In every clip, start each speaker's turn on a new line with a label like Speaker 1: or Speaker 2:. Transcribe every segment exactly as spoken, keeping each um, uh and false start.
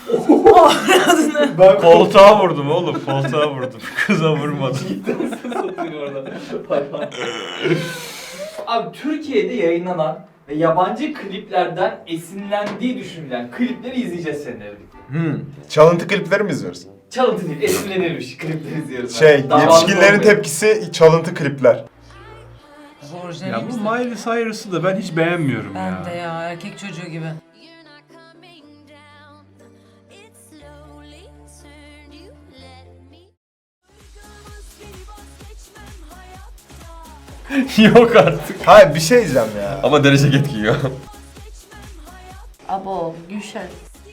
Speaker 1: Ben koltuğa vurdum oğlum, koltuğa vurdum. Kıza vurmadım.
Speaker 2: Cidden satıyor orada. Abi Türkiye'de yayınlanan ve yabancı kliplerden esinlendiği düşünülen klipleri izleyeceğiz seninle birlikte.
Speaker 3: Hmm. Çalıntı klipleri mi izliyoruz?
Speaker 2: Çalıntı değil, esinlenilmiş klipleri izliyoruz.
Speaker 3: Şey,
Speaker 2: Yani. Davalı
Speaker 3: yetişkinlerin
Speaker 2: olmuyor.
Speaker 3: tepkisi çalıntı klipler.
Speaker 1: Ya bu Miley Cyrus'ı da ben hiç beğenmiyorum
Speaker 4: Ben
Speaker 1: ya.
Speaker 4: de ya, erkek çocuğu gibi.
Speaker 1: Yok artık.
Speaker 3: Hayır bir şey diyeceğim ya.
Speaker 5: Ama derece getiriyor.
Speaker 6: Abo, Gülşen.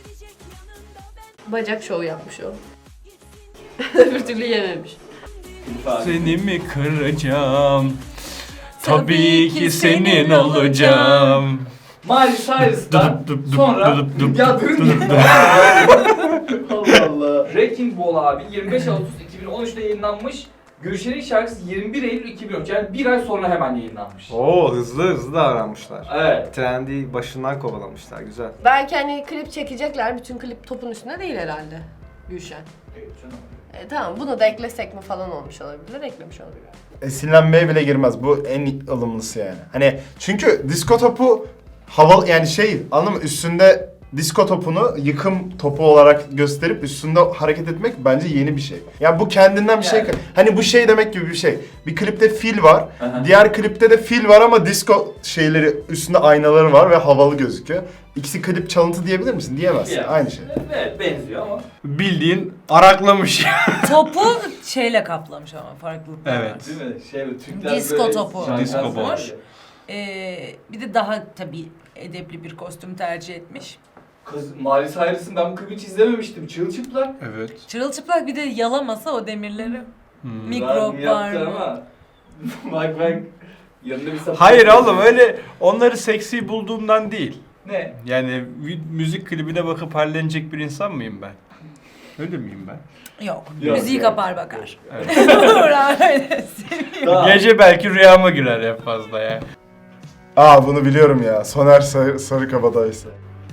Speaker 6: Bacak şovu yapmış o. Öbür türlü yememiş.
Speaker 1: Seni mi kıracağım? Tabii ki senin olacağım.
Speaker 2: Miley Cyrus'tan
Speaker 1: Dup, dup, dup,
Speaker 2: sonra...
Speaker 1: dup, dup,
Speaker 2: Ya durun
Speaker 1: dup, dup.
Speaker 2: Allah Allah. Wrecking Ball abi yirmi beş Ağustos iki bin on üç'te yayınlanmış. Gülşen'in şarkısı yirmi bir Eylül iki bin on üç, yani bir ay sonra hemen yayınlanmış.
Speaker 7: Oo hızlı hızlı davranmışlar.
Speaker 2: Evet.
Speaker 7: Trendi başından kovalamışlar, güzel.
Speaker 6: Belki hani klip çekecekler, bütün klip topun üstünde değil herhalde. Gülşen.
Speaker 2: Evet canım.
Speaker 6: E, tamam, bunu da eklesek mi falan olmuş olabilir, eklemiş olabilir.
Speaker 3: Esinlenmeye bile girmez. Bu en ılımlısı yani. Hani çünkü disko topu havalı yani şey anladın mı? Üstünde disko topunu yıkım topu olarak gösterip üstünde hareket etmek bence yeni bir şey. Yani bu kendinden bir
Speaker 2: Yani.
Speaker 3: şey. Hani bu şey demek gibi bir şey. Bir klipte fil var.
Speaker 2: Aha.
Speaker 3: Diğer klipte de fil var ama disko şeyleri üstünde aynaları var ve havalı gözüküyor. İkisi klip çalıntı diyebilir misin? Diyemezsin.
Speaker 2: Yani.
Speaker 3: Aynı şey.
Speaker 2: Evet, benziyor ama.
Speaker 1: Bildiğin araklamış.
Speaker 4: Topu şeyle kaplamış ama farklılıklar var.
Speaker 1: Evet.
Speaker 2: Değil mi? Şey, Türkler
Speaker 4: Disco
Speaker 2: böyle
Speaker 4: topu.
Speaker 2: şarkı
Speaker 1: Disco
Speaker 2: söyler
Speaker 1: boş.
Speaker 2: ya.
Speaker 4: Ee, bir de daha tabii edepli bir kostüm tercih etmiş.
Speaker 2: Kız Miley Cyrus'ın ben bu klibi hiç izlememiştim. Çırılçıplak.
Speaker 1: Evet.
Speaker 4: Çırılçıplak bir de yalamasa o demirleri.
Speaker 1: Hmm.
Speaker 4: Mikrop
Speaker 2: Yaptı
Speaker 4: var mı?
Speaker 2: ama. Bak bak. Yanında bir sapık.
Speaker 1: Hayır oğlum öyle onları seksi bulduğumdan değil.
Speaker 2: Ne?
Speaker 1: Yani vi- müzik klibine bakıp hallenecek bir insan mıyım ben? Öyle miyim ben?
Speaker 4: Yok.
Speaker 2: Yok,
Speaker 4: Müziği
Speaker 2: yok.
Speaker 4: kapar bakar.
Speaker 1: Evet.
Speaker 4: Öyle seviyorum.
Speaker 1: Gece belki rüyama girer en fazla ya.
Speaker 3: Aa bunu biliyorum ya. Soner Sarı, Sarıkabadayısı.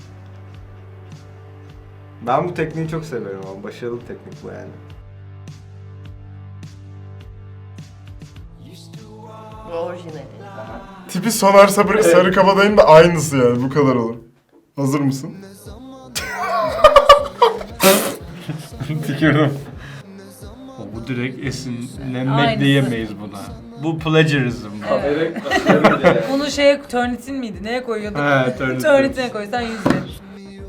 Speaker 7: Ben bu tekniği çok seviyorum ama başarılı bir teknik bu yani.
Speaker 6: Bu orijinali.
Speaker 3: Tipi Soner Sarı, Sarıkabadayı'nın da aynısı yani. Bu kadar olur. Hazır mısın?
Speaker 1: Tükürdüm. Bu direkt esinlenmek
Speaker 4: Aynısı.
Speaker 1: diyemeyiz buna. Bu plagiarism. bu.
Speaker 2: Evet. Evet. Yani.
Speaker 4: Bunu şeye Turnitin miydi? Neye koyuyorduk?
Speaker 1: He, Turnitin.
Speaker 4: Turnitin'e koysan yüz verir.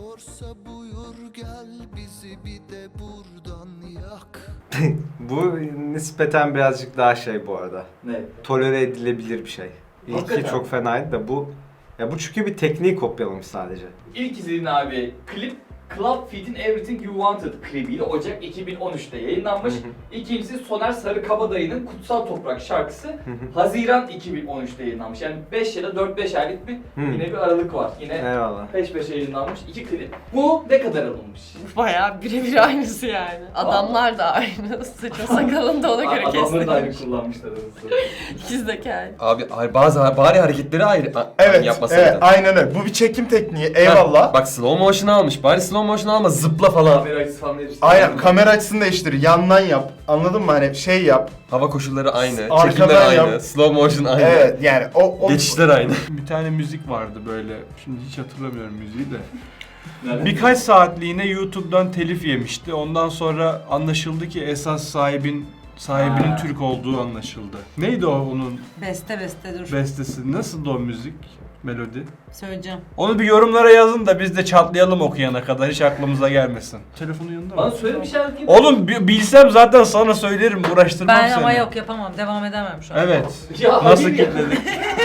Speaker 7: Bu nispeten birazcık daha şey bu arada.
Speaker 2: Ne?
Speaker 7: Tolere edilebilir bir şey. İlki
Speaker 2: Hakikaten.
Speaker 7: çok fenaydı da bu... Ya bu çünkü bir tekniği kopyalamış sadece.
Speaker 2: İlk izlediğin abi klip Club Fit'in Everything You Wanted klibiyle Ocak iki bin on üç'te yayınlanmış.
Speaker 7: Hı hı.
Speaker 2: İkincisi Soner Sarıkabadayı'nın Kutsal Toprak şarkısı Haziran iki bin on üç'te yayınlanmış. Yani beş ya da dört beş aylık bir
Speaker 7: Hı.
Speaker 2: yine bir aralık var. Yine
Speaker 7: Eyvallah.
Speaker 2: peş peşe yayınlanmış iki klip. Bu ne kadar alınmış?
Speaker 6: Bayağı birebir aynısı yani. Adamlar da aynı. Saçma sakalını da ona göre
Speaker 2: Adamları da ayrı
Speaker 6: kestirmiş.
Speaker 2: kullanmışlar arasında.
Speaker 6: İkizdeki
Speaker 5: Abi ay- bazı bari hareketleri ayrı a-
Speaker 3: Evet,
Speaker 5: yapmasaydın.
Speaker 3: evet aynen öyle. Bu bir çekim tekniği. Eyvallah.
Speaker 5: Ha, bak slow motion almış. Bari slow motion alma, zıpla falan.
Speaker 2: Kamera açısı falan hepsi.
Speaker 3: Aynen kamera açısını değiştir. Yandan yap. Anladın mı? Hani şey yap.
Speaker 5: Hava koşulları aynı,
Speaker 3: Arkadan
Speaker 5: çekimler aynı,
Speaker 3: yap.
Speaker 5: slow motion aynı.
Speaker 3: Evet yani o, o
Speaker 5: Geçişler aynı.
Speaker 1: Bir tane müzik vardı böyle. Şimdi hiç hatırlamıyorum müziği de.
Speaker 2: Nereden?
Speaker 1: Birkaç saatliğine YouTube'dan telif yemişti. Ondan sonra anlaşıldı ki esas sahibin sahibinin
Speaker 2: Ha.
Speaker 1: Türk olduğu anlaşıldı. Neydi o onun
Speaker 4: Beste beste dur.
Speaker 1: bestesi? Nasıldı o müzik? Melodi.
Speaker 4: Söyleyeceğim.
Speaker 1: Onu bir yorumlara yazın da biz de çatlayalım okuyana kadar, hiç aklımıza gelmesin. Telefonun yanında
Speaker 2: Bana
Speaker 1: mı?
Speaker 2: söyle bir şarkı.
Speaker 1: Oğlum bi- bilsem zaten sana söylerim, uğraştırmam
Speaker 4: Ben
Speaker 1: seni.
Speaker 4: ama yok yapamam. Devam edemem şu an.
Speaker 1: Evet.
Speaker 2: Ya
Speaker 1: Nasıl
Speaker 2: hayır ya.
Speaker 1: kilitledik?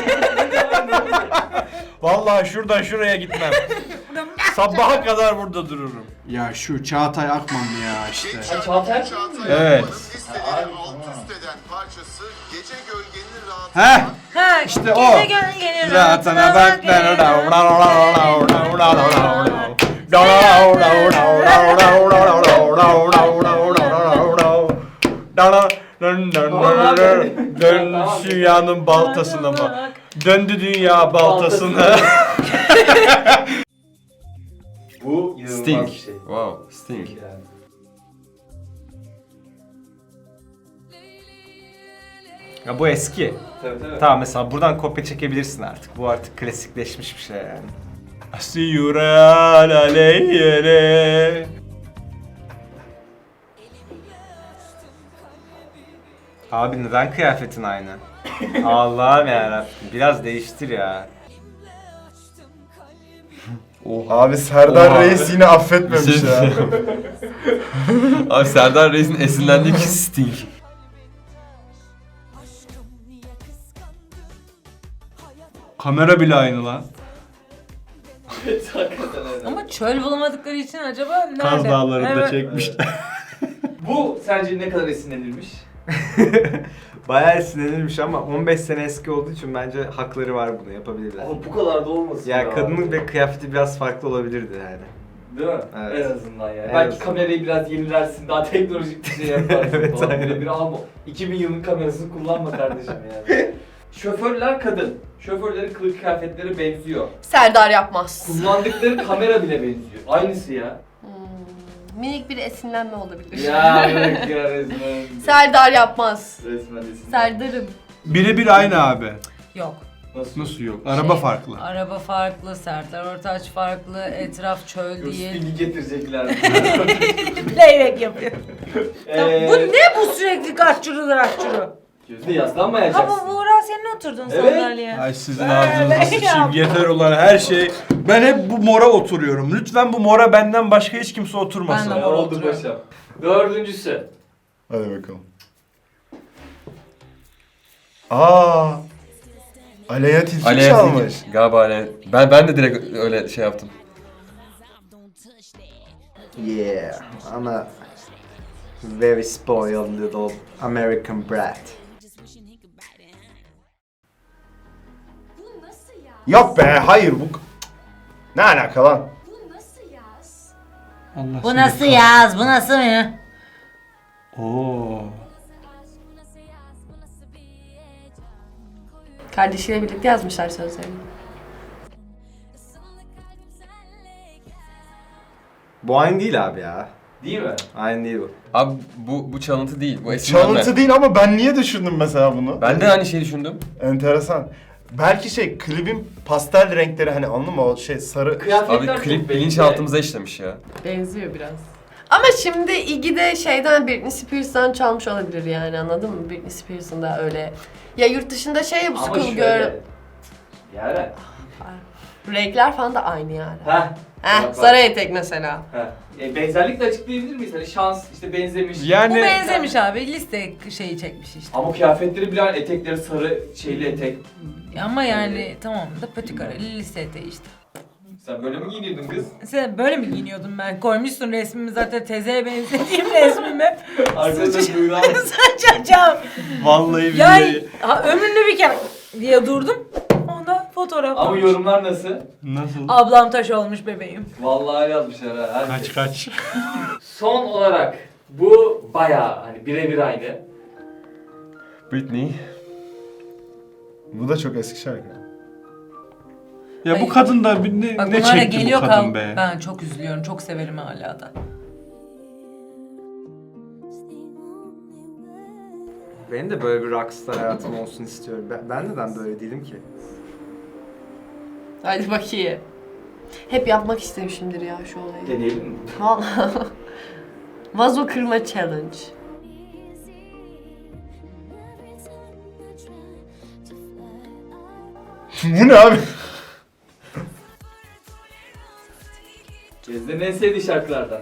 Speaker 1: Vallahi şuradan şuraya gitmem. Sabaha kadar burada dururum.
Speaker 8: Ya şu Çağatay Akman ya işte.
Speaker 2: Ha, Çağatay.
Speaker 1: Evet.
Speaker 9: Listeleri alt üst eden parçası Gece Gölgenin Rahatı.
Speaker 8: Heh
Speaker 4: Ha
Speaker 8: İşte o.
Speaker 4: gece gön gelir
Speaker 8: Rahatına bak.
Speaker 1: Dön dünyanın baltasına bak. Döndü dünya baltasına.
Speaker 2: Bu inanılmaz
Speaker 5: Sting.
Speaker 2: bir şey.
Speaker 5: Wow, Sting.
Speaker 2: Yani.
Speaker 7: Ya bu eski.
Speaker 2: Tabii tabii.
Speaker 7: Tamam mesela buradan kopya çekebilirsin artık. Bu artık klasikleşmiş bir şey yani.
Speaker 1: Asiyural aleyhine.
Speaker 7: Abi neden kıyafetin aynı? Allah'ım yarabbim. Biraz değiştir ya.
Speaker 3: Abi Serdar
Speaker 5: Oha.
Speaker 3: Reis yine affetmemiş
Speaker 5: Bir şey
Speaker 3: ya.
Speaker 5: Abi Serdar Reis'in esinlendiği kişi Sting.
Speaker 1: Kamera bile aynı lan.
Speaker 2: Hakikaten öyle.
Speaker 4: Ama çöl bulamadıkları için acaba nerede?
Speaker 1: Kaz Dağları'nda
Speaker 4: Evet.
Speaker 1: çekmişler.
Speaker 2: Bu sence ne kadar esinlenilmiş?
Speaker 7: Bayağı sinirlenmiş ama on beş sene eski olduğu için bence hakları var bunu yapabilirler.
Speaker 2: Ama bu kadar da olmasın
Speaker 7: Ya kadının ve kıyafeti biraz farklı olabilirdi yani.
Speaker 2: Değil mi?
Speaker 7: Evet.
Speaker 2: En azından yani.
Speaker 7: En
Speaker 2: Belki
Speaker 7: azından.
Speaker 2: kamerayı biraz yenilersin, daha teknolojik bir şey yaparsın
Speaker 7: Evet,
Speaker 2: falan.
Speaker 7: aynen.
Speaker 2: Böyle bir alma. iki bin yılın kamerasını kullanma kardeşim yani. Şoförler kadın. Şoförlerin kılık kıyafetleri benziyor.
Speaker 6: Serdar yapmaz.
Speaker 2: Kullandıkları kamera bile benziyor. Aynısı ya.
Speaker 6: Hmm, minik bir esinlenme olabilir.
Speaker 2: Ya bırak ya resmen.
Speaker 6: Serdar yapmaz.
Speaker 2: Resmen esinlenme.
Speaker 6: Serdar'ım.
Speaker 1: Birebir aynı abi.
Speaker 4: Yok.
Speaker 2: Nasıl?
Speaker 1: Nasıl yok? Araba
Speaker 4: Şey,
Speaker 1: farklı.
Speaker 4: Araba farklı, Serdar Ortaç farklı, etraf çöl
Speaker 2: Yok,
Speaker 4: değil.
Speaker 2: Sting'i getirecekler.
Speaker 4: Playback yapıyor. Ya
Speaker 2: Ee,
Speaker 4: bu ne bu sürekli kaççuru kaççuru?
Speaker 2: Gözde
Speaker 4: Ha
Speaker 2: yaslanmayacaksın.
Speaker 4: bu Buğra senin oturdun
Speaker 2: Evet.
Speaker 4: sandalyeye.
Speaker 1: Ay sizin
Speaker 4: Böyle
Speaker 1: ağzınızı sıçayım.
Speaker 4: yap.
Speaker 1: Yeter ulan her şey. Ben hep bu mora oturuyorum. Lütfen bu mora benden başka hiç kimse oturmasın.
Speaker 4: Ben de
Speaker 2: Ya
Speaker 4: mor
Speaker 2: oldu
Speaker 4: oturuyorum.
Speaker 2: paşam. Dördüncüsü.
Speaker 3: Hadi bakalım. Aa. Aleyha Tilki
Speaker 5: Aleyha
Speaker 3: çalmış.
Speaker 5: Tilki. Galiba Aleyha. Ben, ben de direkt öyle şey yaptım.
Speaker 7: Yeah, I'm a very spoiled little American brat.
Speaker 3: Yok be hayır bu... Ne alaka lan?
Speaker 1: Allah
Speaker 4: Bu
Speaker 1: seni
Speaker 4: nasıl
Speaker 1: kah-
Speaker 4: yaz? Bu nasıl ya?
Speaker 1: Oo.
Speaker 6: Kardeşiyle birlikte yazmışlar sözlerini.
Speaker 7: Bu aynı değil abi ya.
Speaker 2: Değil mi?
Speaker 7: Aynı değil bu.
Speaker 5: Abi bu bu çalıntı değil. Bu esinlenme.
Speaker 3: Çalıntı değil ama ben niye düşündüm mesela bunu?
Speaker 5: Ben de aynı şeyi düşündüm.
Speaker 3: Enteresan. Belki şey klibin pastel renkleri hani anladın mı o şey sarı...
Speaker 2: Kıyafetler
Speaker 5: Abi
Speaker 2: çok
Speaker 5: klip
Speaker 2: belli.
Speaker 5: bilinçaltımıza işlemiş ya.
Speaker 6: Benziyor biraz. Ama şimdi Iggy de şeyden Britney Spears'tan çalmış olabilir yani anladın mı? Britney Spears'ın da öyle. Ya yurt dışında şey bu
Speaker 2: Ama
Speaker 6: School
Speaker 2: şöyle.
Speaker 6: Girl.
Speaker 2: Yani.
Speaker 6: Renkler falan da aynı yani.
Speaker 2: Heh.
Speaker 6: Heh,
Speaker 2: Bak, bak.
Speaker 6: sarı etek mesela.
Speaker 2: Heh. E, benzerlikle açıklayabilir miyiz? Hani şans, işte benzemiş.
Speaker 1: Yani
Speaker 4: Bu benzemiş abi. Liste şeyi çekmiş işte.
Speaker 2: Ama kıyafetleri bile aynı, etekleri sarı şeyli etek.
Speaker 4: Ama yani tamam da patikareli liste eteği işte.
Speaker 2: Sen böyle mi giyiniyordun kız?
Speaker 4: Sen böyle mi giyiniyordun ben? Koymuşsun resmimi zaten tezeye benzediğim resmimi.
Speaker 2: Arkadaşlar buyurun.
Speaker 4: Saçacağım.
Speaker 1: vallahi
Speaker 4: Ya
Speaker 1: billahi.
Speaker 4: ha, ömrümde bir kere diye durdum. Onda fotoğraf.
Speaker 2: Ama
Speaker 4: koymuş.
Speaker 2: yorumlar nasıl?
Speaker 1: Nasıl?
Speaker 4: Ablam taş olmuş bebeğim.
Speaker 2: Vallahi yazmışlar ha. herkes.
Speaker 1: Kaç kaç.
Speaker 2: Son olarak bu bayağı hani birebir aynı.
Speaker 5: Britney.
Speaker 3: Bu da çok eski şarkı.
Speaker 1: Ya bu
Speaker 4: Ay.
Speaker 1: kadın da bir- ne,
Speaker 4: Bak
Speaker 1: ne
Speaker 4: bunlar da
Speaker 1: çekti bu
Speaker 4: geliyor
Speaker 1: kadın
Speaker 4: kal.
Speaker 1: be?
Speaker 4: Ben çok üzülüyorum. Çok severim hala da.
Speaker 7: Benim de böyle bir rockstar hayatım olsun istiyorum. Ben, ben neden böyle değilim ki?
Speaker 6: Hadi bakayım. Hep yapmak istemişimdir ya şu olayı.
Speaker 2: Deneyelim mi?
Speaker 6: Vallahi. Vazo kırma challenge.
Speaker 3: Bu ne abi?
Speaker 2: Gezde'nin en sevdiği şarkılardan.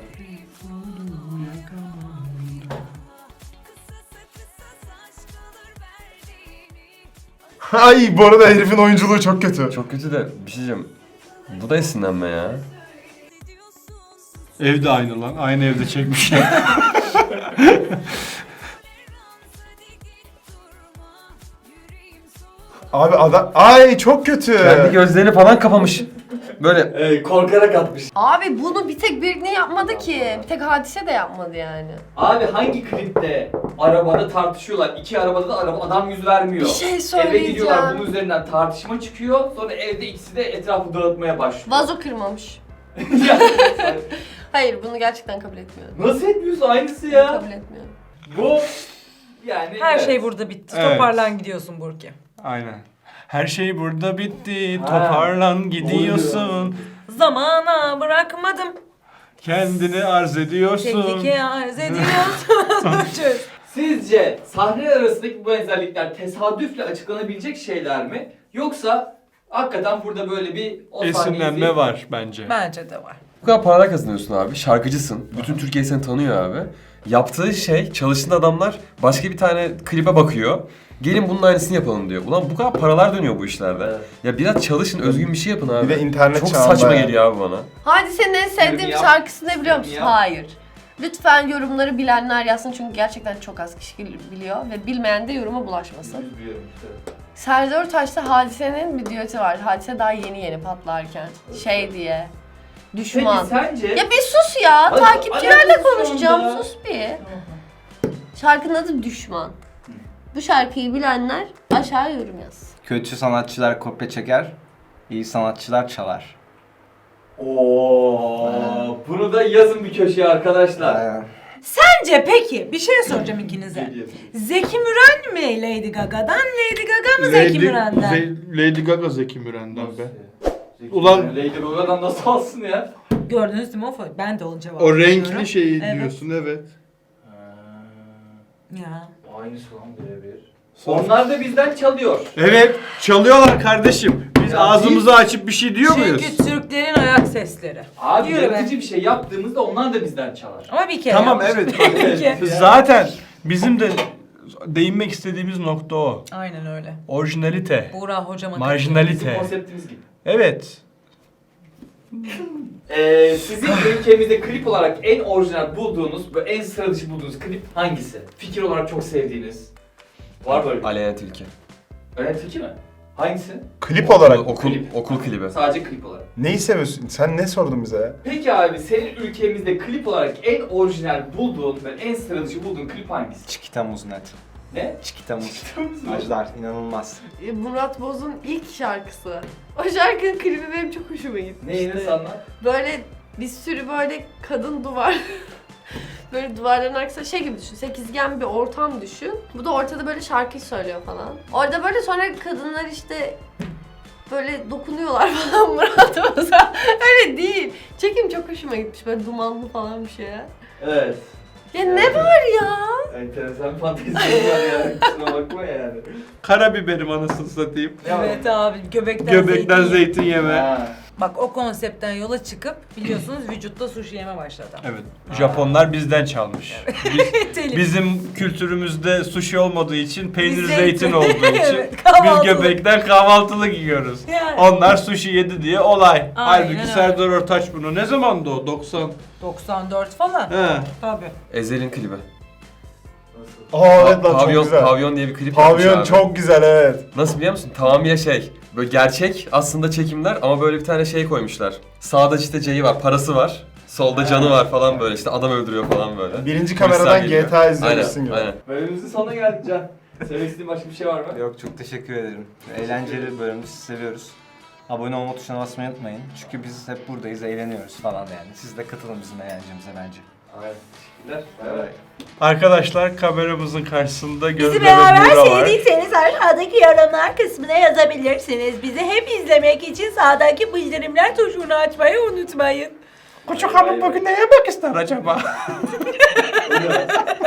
Speaker 3: Ay bu arada herifin oyunculuğu çok kötü.
Speaker 5: Çok kötü de bir şey diyeceğim. Bu da esinlenme ya.
Speaker 1: Evde aynı lan. Aynı evde çekmişler.
Speaker 3: Abi adam... Ay çok kötü.
Speaker 5: Kendi gözlerini falan kapamış. Böyle
Speaker 2: Ee, korkarak atmış.
Speaker 6: Abi bunu bir tek Britney yapmadı ki. Bir tek Hadise de yapmadı yani.
Speaker 2: Abi hangi klipte arabada tartışıyorlar? İki arabada da araba adam yüz vermiyor.
Speaker 6: Bir şey
Speaker 2: Eve gidiyorlar bunun
Speaker 6: söyleyeceğim.
Speaker 2: üzerinden tartışma çıkıyor. Sonra evde ikisi de etrafı dağıtmaya başlıyor.
Speaker 6: Vazo kırmamış.
Speaker 2: Yani,
Speaker 6: Hayır bunu gerçekten kabul etmiyorum.
Speaker 2: nasıl etmiyorsun aynısı
Speaker 6: Bunu
Speaker 2: ya?
Speaker 6: kabul etmiyorum.
Speaker 2: Bu yani
Speaker 4: Her
Speaker 2: evet.
Speaker 4: şey burada bitti.
Speaker 1: Evet.
Speaker 4: Toparlan gidiyorsun Burki.
Speaker 1: Aynen. Her şey burada bitti.
Speaker 2: Ha.
Speaker 1: Toparlan gidiyorsun.
Speaker 4: Zamana bırakmadım.
Speaker 1: Kendini arz ediyorsun.
Speaker 4: Tehlike arz ediyorsun. Çöz.
Speaker 2: Sizce sahneler arasındaki bu benzerlikler tesadüfle açıklanabilecek şeyler mi? Yoksa hakikaten burada böyle bir o sahneyi
Speaker 1: Esinlenme
Speaker 2: izleyip-
Speaker 1: var bence.
Speaker 4: Bence de var.
Speaker 5: Bu kadar paralar kazanıyorsun abi. Şarkıcısın. Bütün Türkiye seni tanıyor abi. Yaptığı şey, çalıştığın adamlar başka bir tane klibe bakıyor. Gelin bunun aynısını yapalım diyor. Ulan bu kadar paralar dönüyor bu işlerde.
Speaker 2: Evet.
Speaker 5: Ya biraz çalışın, özgün bir şey yapın abi.
Speaker 3: Bir de internet
Speaker 5: Çok
Speaker 3: çağında
Speaker 5: saçma
Speaker 3: yani.
Speaker 5: geliyor abi bana.
Speaker 6: Hadise'nin en sevdiğim
Speaker 2: Yap.
Speaker 6: şarkısı ne biliyor musun?
Speaker 2: Yap.
Speaker 6: Hayır. Lütfen yorumları bilenler yazsın çünkü gerçekten çok az kişi biliyor ve bilmeyen de yoruma bulaşmasın.
Speaker 2: Üzülüyorum işte.
Speaker 6: Serdar Ortaç'ta Hadise'nin bir düeti var. Hadise daha yeni yeni patlarken. Şey diye. Düşman.
Speaker 2: Peki sence...
Speaker 6: Ya bir sus ya.
Speaker 2: Hadi,
Speaker 6: Takipçilerle
Speaker 2: alakası şu
Speaker 6: konuşacağım.
Speaker 2: anda.
Speaker 6: Sus bir. Şarkının adı Düşman. Bu şarkıyı bilenler aşağı yorum yazsın.
Speaker 7: Kötü sanatçılar kopya çeker, iyi sanatçılar çalar.
Speaker 2: Oo, bunu da yazın bir köşeye arkadaşlar.
Speaker 7: Aynen.
Speaker 4: Bence peki bir şey soracağım ikinize.
Speaker 2: Ne diyorsun?
Speaker 4: Zeki Müren mi Lady Gaga'dan, Lady Gaga mı Zeki Müren'den?
Speaker 8: Ze- Lady Gaga Zeki Müren'den be.
Speaker 2: Zeki
Speaker 8: Ulan-
Speaker 2: Müren, Lady Gaga'dan nasıl alsın ya?
Speaker 4: Gördünüz değil mi o fo- Ben de onun cevabını
Speaker 8: O
Speaker 4: veriyorum.
Speaker 8: renkli şeyi
Speaker 4: Evet.
Speaker 8: diyorsun evet.
Speaker 4: Ya.
Speaker 2: Aynısı lan birebir. Onlar da bizden çalıyor.
Speaker 8: Evet çalıyorlar kardeşim. Biz
Speaker 2: Ya
Speaker 8: ağzımızı
Speaker 2: biz-
Speaker 8: açıp bir şey diyor muyuz?
Speaker 4: Çünkü Türklerin ayak sesleri.
Speaker 2: Abi
Speaker 4: Yürü be.
Speaker 2: yaratıcı bir şey yaptığımızda onlar da bizden çalar.
Speaker 4: Ama bir kere
Speaker 8: Tamam
Speaker 4: yapmış.
Speaker 8: evet.
Speaker 4: Peki.
Speaker 1: Zaten bizim de değinmek istediğimiz nokta o.
Speaker 4: Aynen öyle.
Speaker 1: Orijinalite.
Speaker 4: Buğra hocama
Speaker 2: Bizim
Speaker 1: Marjinalite.
Speaker 2: konseptimiz gibi.
Speaker 1: Evet.
Speaker 2: Ee, sizin ülkemizde klip olarak en orijinal bulduğunuz, böyle en sıra dışı bulduğunuz klip hangisi? Fikir olarak çok sevdiğiniz. Var böyle bir
Speaker 5: Aleyna Tilki.
Speaker 2: Öyle fikir mi? Hangisi?
Speaker 3: Klip olarak
Speaker 5: Okul,
Speaker 2: Klip.
Speaker 5: okul klibi.
Speaker 2: Sadece klip olarak.
Speaker 3: neyi seviyorsun? Sen ne sordun bize ya?
Speaker 2: Peki abi senin ülkemizde klip olarak en orijinal bulduğun ve en sıra dışı bulduğun klip hangisi?
Speaker 7: Çikita muz net.
Speaker 2: Ne?
Speaker 7: Çikita muz. Ajdar inanılmaz.
Speaker 6: E, Murat Boz'un ilk şarkısı. O şarkının klibi benim çok hoşuma gitti.
Speaker 2: Neyini sanlar?
Speaker 6: Böyle bir sürü böyle kadın duvar böyle duvarların arkasında şey gibi düşün. Sekizgen bir ortam düşün. Bu da ortada böyle şarkı söylüyor falan. Orada böyle sonra kadınlar işte böyle dokunuyorlar falan Murat Boz'a. Öyle değil. Çekim çok hoşuma gitmiş. Böyle dumanlı falan bir şey ya.
Speaker 2: Evet.
Speaker 6: Ya ne var ya?
Speaker 2: Enteresan fantezi var yani. Kusura bakma yani.
Speaker 8: Karabiberim anasını satayım.
Speaker 4: Evet abi göbekten,
Speaker 8: Göbekten
Speaker 4: zeytin.
Speaker 8: zeytin yeme.
Speaker 2: Ha.
Speaker 4: Bak o konseptten yola çıkıp biliyorsunuz vücutta sushi yeme başladı.
Speaker 1: Evet. Japonlar bizden çalmış. Biz,
Speaker 4: Telif.
Speaker 1: bizim kültürümüzde sushi olmadığı için peynir
Speaker 4: Biz
Speaker 1: zeytin,
Speaker 4: zeytin.
Speaker 1: olduğu için
Speaker 4: Evet,
Speaker 1: biz
Speaker 4: kahvaltılık.
Speaker 1: göbekten kahvaltılık yiyoruz.
Speaker 4: Yani.
Speaker 1: Onlar sushi yedi diye olay. Halbuki
Speaker 4: öyle.
Speaker 1: Serdar Ortaç bunu ne zamandı o? doksan.
Speaker 4: doksan dört falan.
Speaker 1: He.
Speaker 4: Tabii.
Speaker 5: Ezel'in klibi.
Speaker 3: Aa evet lan çok
Speaker 5: Pavyon,
Speaker 3: güzel.
Speaker 5: Pavyon diye bir klip yapmış
Speaker 3: Pavyon
Speaker 5: abi.
Speaker 3: çok güzel evet.
Speaker 5: Nasıl biliyor musun? Tamamıyla şey, böyle gerçek aslında çekimler ama böyle bir tane şey koymuşlar. Sağda işte C'yi var, parası var. Solda canı var falan böyle işte adam öldürüyor falan böyle.
Speaker 3: Birinci
Speaker 5: Polisler
Speaker 3: kameradan
Speaker 5: geliyor.
Speaker 3: G T A izlemişsin
Speaker 5: Aynen,
Speaker 3: gibi.
Speaker 5: aynen.
Speaker 2: Bölümümüzün sonuna geldik Can. Söylemek istediğin başka bir şey var mı?
Speaker 7: Yok çok teşekkür ederim. Eğlenceli bir bölümü sizi seviyoruz. Abone olma tuşuna basmayı unutmayın. Çünkü biz hep buradayız, eğleniyoruz falan yani. Siz de katılın bizim eğlencemize bence.
Speaker 2: Evet. Teşekkürler.
Speaker 7: Evet.
Speaker 1: Arkadaşlar kameramızın karşısında
Speaker 10: Bizi
Speaker 1: Gözde ve
Speaker 10: beraber
Speaker 1: Buğra var.
Speaker 10: sevdiyseniz aşağıdaki yorumlar kısmına yazabilirsiniz. Bizi hep izlemek için sağdaki bildirimler tuşunu açmayı unutmayın.
Speaker 1: Küçük hanım bugün ne yemek ister acaba?
Speaker 2: Evet.